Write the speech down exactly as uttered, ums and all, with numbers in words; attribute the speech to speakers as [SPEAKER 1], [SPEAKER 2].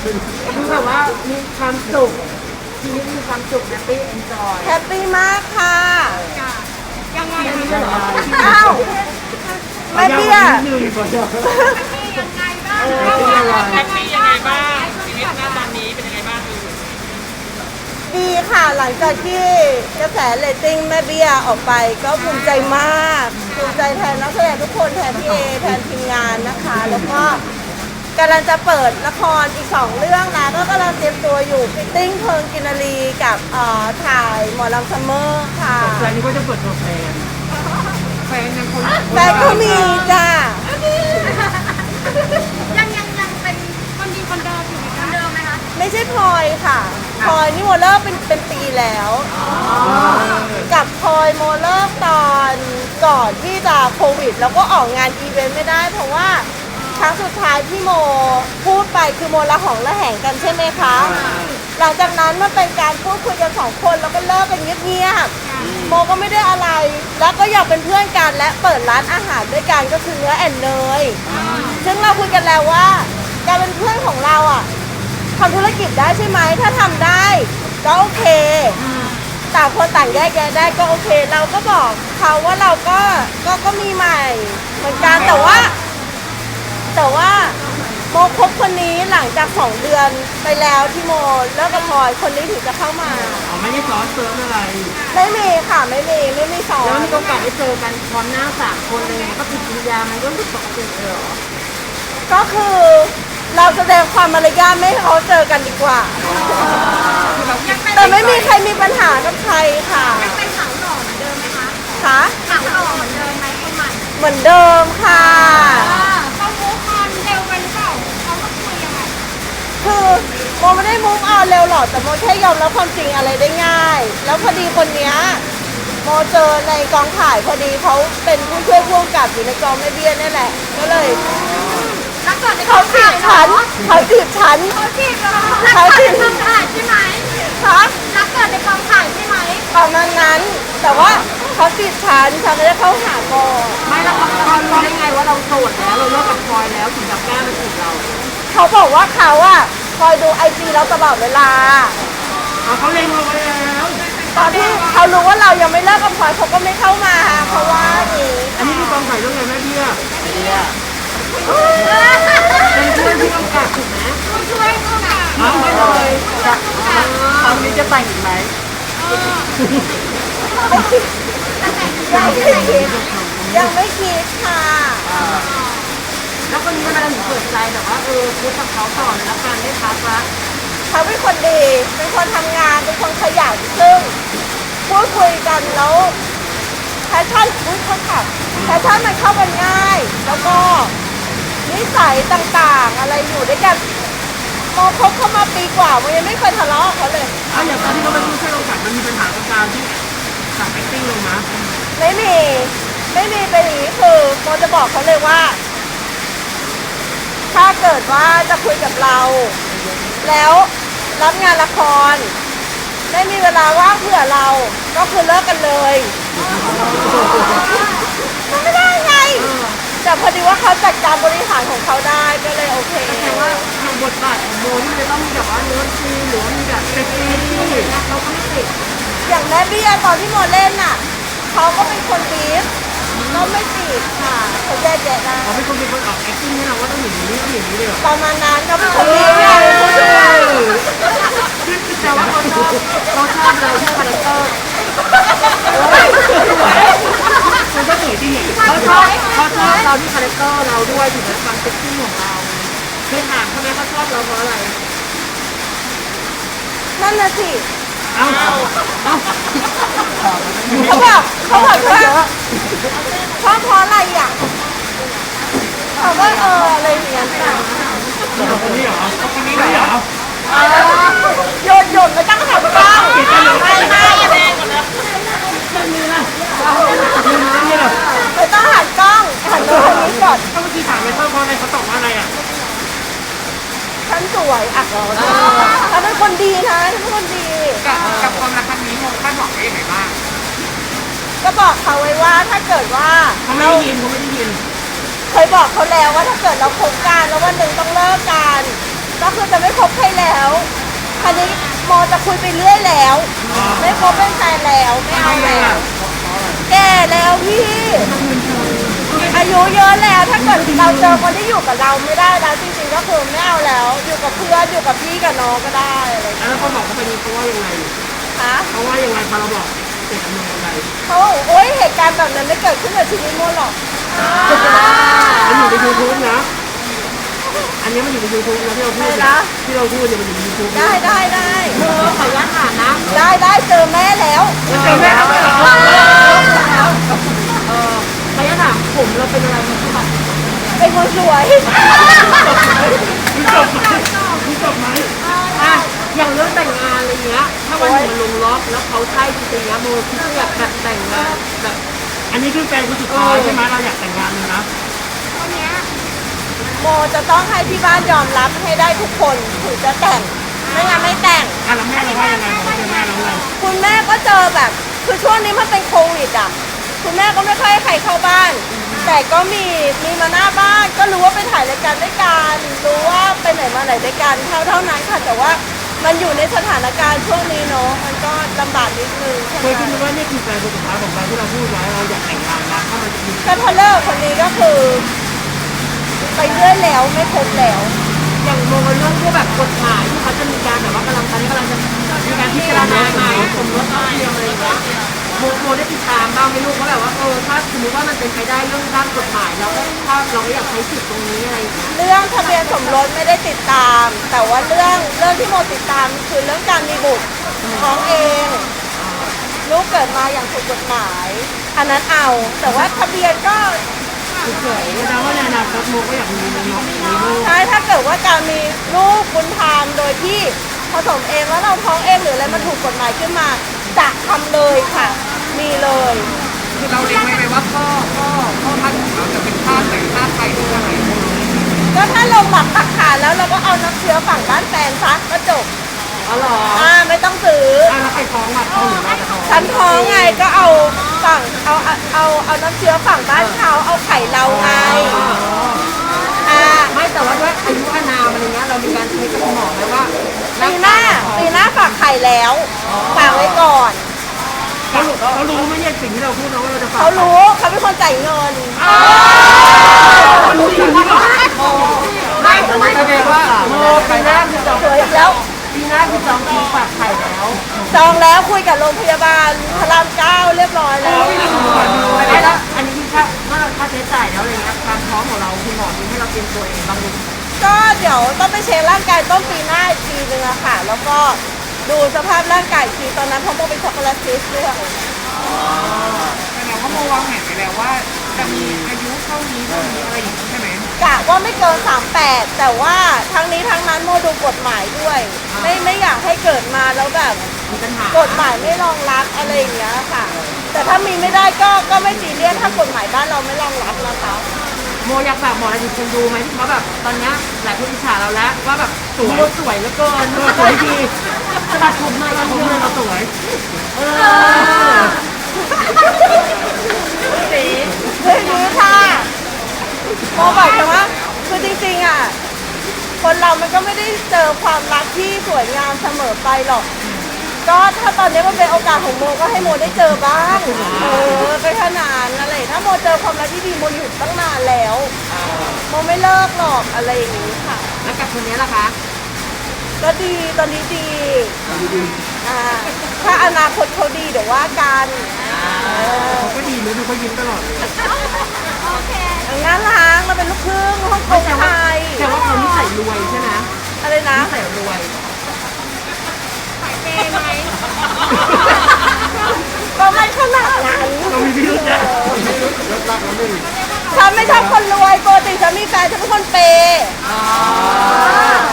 [SPEAKER 1] คือแบบว่ามีความสุขชีวิตมีความสุขแฮปปี้เอนจอย
[SPEAKER 2] แฮปปี้มากค่ะ
[SPEAKER 1] ยังไงยังไง
[SPEAKER 2] อ้าวแม่เบี้ย
[SPEAKER 1] หนึ่งก่อนเดียว
[SPEAKER 3] ยังไงบ้าง
[SPEAKER 1] เออเป็นยังไง
[SPEAKER 3] แฮปปี้ยังไงบ้างชีวิตณตอนนี้เป็นยังไงบ้าง
[SPEAKER 2] ดีค่ะหลังจากที่กระแสเรตติ้งแม่เบี้ยออกไปก็ภูมิใจมากภูมิใจแทนนักแสดงทุกคนแทนพี่เอแทนทีมงานนะคะ แล้วก็กำลังจะเปิดละครอีกสองเรื่องนะก็กำลังเตรียมตัวอยู่ฟิตติ้งเพลิงกินรีกับเอ่อถ่ายหมอลำซัมเมอร์ค่ะ
[SPEAKER 1] ใจนี้ก็จะเปิดตัวแฟนแฟนยังคน
[SPEAKER 2] แฟนก็มีจ้า
[SPEAKER 3] ยังยังยังเป็นคนดีคนเดิมอยู่ไหมคะเดิมไหมคะ
[SPEAKER 2] ไม่ใช่พลอยค่ะพลอยนี่โมเลิกเป็นเป็นปีแล้ว กับพลอยโมเลิกตอนก่อนที่จะโควิด แล้วก็ออกงานอีเวนต์ไม่ได้เพราะว่าครั้งสุดท้ายที่โมพูดไปคือโมละหองละแหงกันใช่ไหมคะ หลังจากนั้นมันเป็นการพูดคุยกันสองคนแล้วก็เลิกกันเงียบๆโมก็ไม่ได้อะไร แล้วก็อยากเป็นเพื่อนกันและเปิดร้านอาหารด้วยกันก็คือเนื้อแอนเนยซึ่งเราคุยกันแล้วว่าการเป็นเพื่อนของเราอ่ะทำธุรกิจได้ใช่ไหมถ้าทำได้ก็โอเคต่างคนต่างแยกแยะได้ก็โอเค เราก็บอกเขาว่าเราก็ก็ก็มีใหม่เหมือนกันแต่ว่า แต่ว่าโมคบคนนี้หลังจากสองเดือนไปแล้วที่โมเลิกกับพลอยคนนี้ถึงจะเข้ามา
[SPEAKER 1] อ๋อไม่ได้ซ้อนเติมอะไร
[SPEAKER 2] ไม่มีค่ะไม่มีไม่มีสอ
[SPEAKER 1] แล้ว
[SPEAKER 2] น
[SPEAKER 1] มีโอกาสได้เจอกันพร้อมหน้าสามคนเลยก็ติดวิญญามันก็รู้สึกปกติเลยเหรอ
[SPEAKER 2] ก็คือเราแสดงความมารยาทไม่ให้เขาเจอกันดีกว่า
[SPEAKER 3] ยังเป็น
[SPEAKER 2] แต่ไม่มีใครมีปัญหากับใครค่ะ
[SPEAKER 3] ยังเป็นสาวหล่อเหมือนเดิมไหมคะ
[SPEAKER 2] ค่ะ
[SPEAKER 3] สาวหล่อเหมือนเดิมไหมคนใหม่
[SPEAKER 2] เหมือนเดิมค่ะ
[SPEAKER 3] เขามูฟออนเร็วไปหรือเปล่าเขาก็คุยยังไง
[SPEAKER 2] คือโมไม่ได้มุ่งเอาเร็วหรอกแต่โมแค่ยอมรับความจริงอะไรได้ง่าย แล้วพอดีคนเนี้ยโมเจอในกองถ่ายพอดีเขาเป็นผู้ช่วยผู้กำกับอยู่ในกองแม่เบี้ยนี่แหละ ก็เลย
[SPEAKER 3] รักเกิดในก
[SPEAKER 2] เขา
[SPEAKER 3] อง
[SPEAKER 2] จี
[SPEAKER 3] ถ่า
[SPEAKER 2] บ
[SPEAKER 3] ยเหร
[SPEAKER 2] ฉั
[SPEAKER 3] อน
[SPEAKER 2] เขาจีบฉัน
[SPEAKER 3] เขาจีบเหรอรักเกิดในกองถ่ายใช่ไหม
[SPEAKER 2] คะ
[SPEAKER 3] รักเกิดในกองถ่ายใช่ไหม
[SPEAKER 2] ประมาณนั้น แต่ว่าเขาจีบฉันฉันไม่ได้เข้าหาโม
[SPEAKER 1] ไม่แล้วเขารู้ได้ไงว่าเราโสดแล้วเราเลิกกับพลอยแล้วถึงจะกล้ามาจีบเรา
[SPEAKER 2] เขาบอกว่าเขาอะคอยดูไอจีเราตลอดเวลา
[SPEAKER 1] อ๋อเขาเล็งเราไว้แล้ว
[SPEAKER 2] ตอนที่เขารู้ว่าเรายังไม่เลิกกับพลอยเขาก็ไม่เข้ามาเพราะว่าอย่างนี้
[SPEAKER 1] อันนี้คือกองถ่ายเรื่องไงแม่เบี้ย
[SPEAKER 4] เนี่ย
[SPEAKER 1] เป็นเพื่อนที่กำกับถูกไหม
[SPEAKER 3] ผู้ช่วยผู้กำกับ
[SPEAKER 1] อ๋อไม่เลย
[SPEAKER 4] ตอนนี้จะแต่งอีกไหม
[SPEAKER 2] ไม่คิดยังไม่คิดยังไม่คิดค่ะ
[SPEAKER 1] แล้วคนนี้ทำไมเราถึงเปิดใจแบบว่าเออคุยกับเขาต่อเลยแล้วการได้พักละ
[SPEAKER 2] เขาเป็นคนดี เป็นคนทำงาน เป็นคนขยันซึ่งพูดคุยกันแล้วแพชชั่นอุ้ยคนขับแพชชั่นมันเข้ากันง่าย แล้วก็นิสัยต่างๆ อะไรอยู่ด้วยกันโมคบเข้ามาปีกว่าโมยังไม่เคยทะเลาะกับเขาเลย
[SPEAKER 1] เอาอย่างตอนที่เขาเป็นผู้ช่วยกำกับมันมีปัญหากับการที่สั่ง acting ลงมา
[SPEAKER 2] ไม่มี ไม่มีเป็นอย่างนี้คือโมจะบอกเขาเลยว่า ถ้าเกิดว่าจะคุยกับเรา แล้วรับงานละคร ไม่มีเวลาว่างเผื่อเรา ก็คือเลิกกันเลยมันไม่ได้ไง แต่พอดีว่าเขาจัดการบริหารของเขาได้ก็เลยโอเค
[SPEAKER 1] แต่ว่าทางบทบาทของโมที่จะต้องมีแบบว่าเนื้อซีนหรือว่ามีแบบเซ็กซี่เราก็ไม่ติด
[SPEAKER 2] อย่างแม่เบี้ยตอนที่โมเล่นน่ะเขาก็เป็นคนบีฟก็ไม่ติดค่ะเขาแยกแยะได้
[SPEAKER 1] เขาเป็นคนเป็นคนออก acting ให้เราว่าต้องอย่างนี้ต้องอย่างนี้เลยเหรอ
[SPEAKER 2] ประมาณนั้นเขาเป็นคนบีฟไงผู้ช่วย
[SPEAKER 1] แต่ว่าเขาชอบเขาชอบเราที่คาแรคเตอร์มันก็สวยจริงเขาชอบเขาชอบเราที่คาแรคเตอร์เราด้วยถึงแม้ความเซ็กซี่ของเราเคยถามเขาไหมเขาชอบเราเพราะอะไร
[SPEAKER 2] นั่นน่ะสิ
[SPEAKER 1] เอ้าเอ้า
[SPEAKER 2] เขาบอกเขาบอกว่าชอบเพราะอะไรอ่ะเขาว่าเอออะไรอย่างเงี้ยค่ะ
[SPEAKER 1] คนนี้เหรอคนนี้เหรอ
[SPEAKER 2] โยนโยนไม่ต้องหันกล้องไม่ไม่ไม่ต้องหันกล้องหันมาทางนี้ก่อน
[SPEAKER 1] ก็เมื่อกี้ถามไปชอบเพราะอะไรเขาตอบว่าอะไรอ่ะ
[SPEAKER 2] ฉันสวยอ่ะฉันเป็นคนดีนะฉันเป็นคนดี
[SPEAKER 4] กับกับความรักครั้งนี้โมคาดหวังไว้ยังไงบ้าง
[SPEAKER 2] ก็บอกเขาไว้ว่าถ้าเกิดว่า
[SPEAKER 1] เขาไม่ได้ยินเขาไม่ได้ยิน
[SPEAKER 2] เคยบอกเขาแล้วว่าถ้าเกิดเราคบกันแล้ววันหนึ่งต้องเลิกกันก็คือจะไม่คบใครแล้วคราวนี้โมจะคุยไปเรื่อยแล้ว ไม่คบเป็นแฟนแล้วไม่เอาแล้วแก่แล้วพี่ อายุเยอะแล้วถ้าเกิดเราเจอคนที่อยู่กับเราไม่ได้แล้วจริงๆก็คือไม่เอาแล้ว อยู่กับเพื่อนอยู่กับพี่กับน้องก็ได้อะไรอย่างเงี้ย
[SPEAKER 1] แล้วเขาบอกเขาไปนี้เขาว่ายังไง
[SPEAKER 2] คะ
[SPEAKER 1] เขาว่ายังไงพอเราบอกเด็กมันยังไง
[SPEAKER 2] เขาบอกโอ๊ยเหตุการณ์แบบนั้นไม่เกิดขึ้นกับชีวิตโมหรอก
[SPEAKER 1] มันอยู่ในยูทูบนะ อันนี้มันอยู่ในยูทูบนะที่เราพูดเนี่ยที่เราพูดเนี่ยมันอยู่ในยูทูบ
[SPEAKER 2] ได้ได้ได้
[SPEAKER 1] เออขออนุญาตถามนะ
[SPEAKER 2] ได้ได้เจอแม่แล้ว
[SPEAKER 1] เจอแม่แล้วเออขออนุญาตถามผมเราเป็นอะไรมาบ้าง
[SPEAKER 2] เป็นคนสวย
[SPEAKER 1] มีจบไหมมีจบไหมอ่ะอย่างเรื่องแต่งงานอะไรเงี้ย ถ้าวันหนึ่งมันลงล็อกแล้วเขาใช่จริงๆนะโมคิดว่าอยากแบบแต่งงานแบบอันนี้คือแฟนคนสุดท้ายใช่ไหมเราอยากแต่งงานเลยนะ
[SPEAKER 3] คนเนี้ย
[SPEAKER 2] โมจะต้องให้ที่บ้านยอมรับให้ได้ทุกคนถึงจะแต่งไม่งั้นไม่แต่ง
[SPEAKER 1] อ่ะแล้วแม่เราว่ายังไงบอกว่าแม่เราไง
[SPEAKER 2] คุณแม่ก็เจอแบบคือช่วงนี้มันเป็นโควิดอ่ะคุณแม่ก็ไม่ค่อยให้ใครเข้าบ้าน แต่ก็มีมีมาหน้าบ้านก็รู้ว่าไปถ่ายรายการด้วยกันรู้ว่าไปไหนมาไหนด้วยกันเท่าเท่านั้นค่ะแต่ว่ามันอยู่ในสถานการณ์ช่วงนี้เนาะมันก็ลำบากนิดนึงใช่ไห
[SPEAKER 1] เค
[SPEAKER 2] ม
[SPEAKER 1] ยคิดไหมว่านี่คือแฟนคนสุดท้ายของเราที่เราพูดไว้เราอยากแต่งงานนะถ้ามันจะมี
[SPEAKER 2] ก็ถ้าเลิกคนนี้ก็คือ ไปเรื่อยแล้วไม่คบแล้ว
[SPEAKER 1] อย่างโมเรื่องพวกแบบกฎหมายที่เขาจะมีการแบบว่ากำลังตอนนี้กำลังจะมีการพิจารณาใหม่สมรสเท่าเทียมอะไรอย่างเงี้ยโมโมได้ติดตามบ้างไหมลูกว่าแบบว่าเออถ้าสมมติว่ามันเป็นไปได้เรื่องด้านกฎหมายเราก็ถ้าเราไม่อยากใช้สิทธิ์ตรงนี้อะไรอย่างเงี้ย
[SPEAKER 2] เรื่องทะเบียนสมรสไม่ได้ติดตาม แต่ว่าเรื่องเรื่องที่โมติดตามคือเรื่องการมีบุตรท้องเองลูกเกิดมาอย่างถูกกฎหมาย อันนั้นเอา แต่ว่าทะเบียนก็
[SPEAKER 1] เฉยๆแสดงว่าในอนาคตโมก็อยากมีเนาะมีลูก
[SPEAKER 2] ใช่ถ้าเกิดว่าการมีลูกบุญธรรมโดยที่ผสมเองแล้วเราท้องเองหรืออะไรมันถูกกฎหมายขึ้นมาจะทำเลยค่ะ มีเลย
[SPEAKER 4] คือเราเล็งไว้ไหมว่าพ่อพ่อพ่อพันธุ์ของเราจะเป็นชาติไหนชาติไทยหรืออะไร
[SPEAKER 2] ก็ถ้าลงหลักปักฐานแล้วเราก็เอาน้ำเชื้อฝั่งบ้านแฟนซะก็จบ
[SPEAKER 1] อ๋อเหรอ
[SPEAKER 2] อ่าไม่ต้องซื้อ
[SPEAKER 1] อ่ะแล้วใครท้องอ่ะท้องหรือเราจะท้อง
[SPEAKER 2] ฉันท้องไงก็เอาฝั่งเอาเอาเอาเอาน้ำเชื้อฝั่งบ้านเขาเอาไข่เราไงอ่า
[SPEAKER 1] ไม่แต่ว่าด้วยอายุอานามอะไรเงี้ยเรามีการคุยกับคุณหมอไหมว่า
[SPEAKER 2] ปีหน้าปีหน้าฝากไข่แล้วฝากไว้ก่อน
[SPEAKER 1] เขารู้เขารู้ไหมเนี่ยสิ่งที่เราพูดนะว่าเราจะฝาก
[SPEAKER 2] เขารู้เขาเป็นคนจ่ายเงิน
[SPEAKER 1] เขารู้จริงๆว่าไม่ไม่แสดงว่าโมปีหน้าคือจอง
[SPEAKER 2] สวยอีกแล้ว
[SPEAKER 1] ปีหน้าคือจองคิวฝากไข่แล้ว
[SPEAKER 2] จองแล้วคุยกับโรงพยาบาลพระรามเก้าเรียบร้อยแล้ว
[SPEAKER 1] แล้วอันนี้คือค่าเมื่อค่าใช้จ่ายแล้วอะไรเงี้ยการท้องของเราคุณหมอมีให้เราเตรียมตัวเองบ้างไหม
[SPEAKER 2] ก็เดี๋ยวต้องไปเช็คร่างกายต้นปีหน้าอีกทีนึงอะค่ะ แล้วก็ดูสภาพร่างกายอีกทีตอนนั้นเพราะโมเป็นช็อกโกแลตซิสด้วย
[SPEAKER 4] แสดงว่าโมวางแผนไว้แล้วว่าจะมีอายุเท่านี้เท่านี้อะไรอย่างนี้ใช่ไหม
[SPEAKER 2] กะว่าไม่เกินสามแปดแต่ว่าทั้งนี้ทั้งนั้นโมดูกฎหมายด้วย ไม่ไม่อยากให้เกิดมาแล้วแบบ
[SPEAKER 1] มีปัญหาก
[SPEAKER 2] ฎหมายไม่รองรับอะไรอย่างเงี้ยค่ะ แต่ถ้ามีไม่ได้ก็ก็ไม่ซีเรียสถ้ากฎหมายบ้านเราไม่รองรับนะคะ
[SPEAKER 1] โมอยากฝากบอกอะไรถึงคนดูไหมที่เขาแบบตอนเนี้ยหลายคนอิจฉาเราแล้วว่าแบบสวยสวยเหลือเกินสวยดีตัดผมมาตัดผมมาเราสวยเออ
[SPEAKER 2] สีเรื่องนี้ค่ะโมบอกเลยว่าคือจริงๆอ่ะคนเรามันก็ไม่ได้เจอความรักที่สวยงามเสมอไปหรอก ก็ถ้าตอนนี้มันเป็นโอกาสของโมก็ให้โมได้เจอบ้างเออไปขนาดอะไรถ้าโมเจอความรักที่ดีโมอยู่ตั้งนานแล้วโมไม่เลิกหรอกอะไรอย่างนี้ค่ะ
[SPEAKER 1] แล้วกับคนนี้ล่ะคะ
[SPEAKER 2] ก็ดีตอนนี้ดีอ่าถ้าอนาคตเขาดีเดี๋ยวว่ากันเออ
[SPEAKER 1] เขาก็ดีนะดูเขายิ้มตลอดเลย
[SPEAKER 3] โอเค
[SPEAKER 2] งานล้างเราเป็นลูกครึ่งฮ่องกงไทย
[SPEAKER 1] แต่ว่าเขานิสัยรวยใช่ไหม
[SPEAKER 2] อะไรนะ
[SPEAKER 1] นิสัยรวย
[SPEAKER 3] สายเปย์ไหม
[SPEAKER 2] ก็ไม่ขนาดนั้น
[SPEAKER 1] เรามีพิรุธนะ
[SPEAKER 2] ฉันไม่ชอบคนรวยปกติฉันมีแฟนฉันเป็นคนเปย์
[SPEAKER 1] อ๋อ